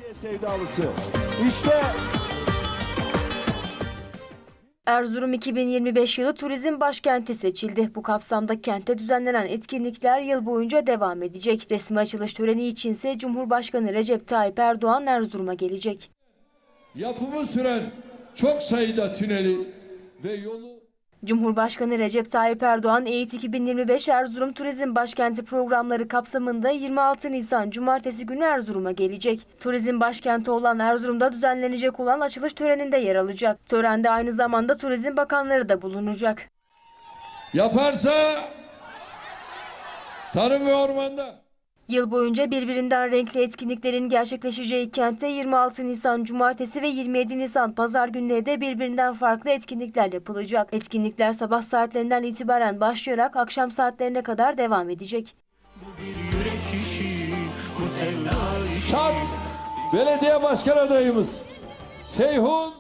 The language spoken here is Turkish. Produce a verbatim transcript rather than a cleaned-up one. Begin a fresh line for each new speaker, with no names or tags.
Sevdalısı. İşte
Erzurum iki bin yirmi beş yılı turizm başkenti seçildi. Bu kapsamda kentte düzenlenen etkinlikler yıl boyunca devam edecek. Resmi açılış töreni içinse Cumhurbaşkanı Recep Tayyip Erdoğan Erzurum'a gelecek.
Yapımı süren çok sayıda tüneli ve yolu...
Cumhurbaşkanı Recep Tayyip Erdoğan, EYİT iki bin yirmi beş Erzurum Turizm Başkenti programları kapsamında yirmi altı Nisan Cumartesi günü Erzurum'a gelecek. Turizm başkenti olan Erzurum'da düzenlenecek olan açılış töreninde yer alacak. Törende aynı zamanda turizm bakanları da bulunacak.
Yaparsa tarım ve ormanda...
Yıl boyunca birbirinden renkli etkinliklerin gerçekleşeceği kentte yirmi altı Nisan Cumartesi ve yirmi yedi Nisan Pazar günleri de birbirinden farklı etkinlikler yapılacak. Etkinlikler sabah saatlerinden itibaren başlayarak akşam saatlerine kadar devam edecek.
Şat Belediye Başkan adayımız Seyhun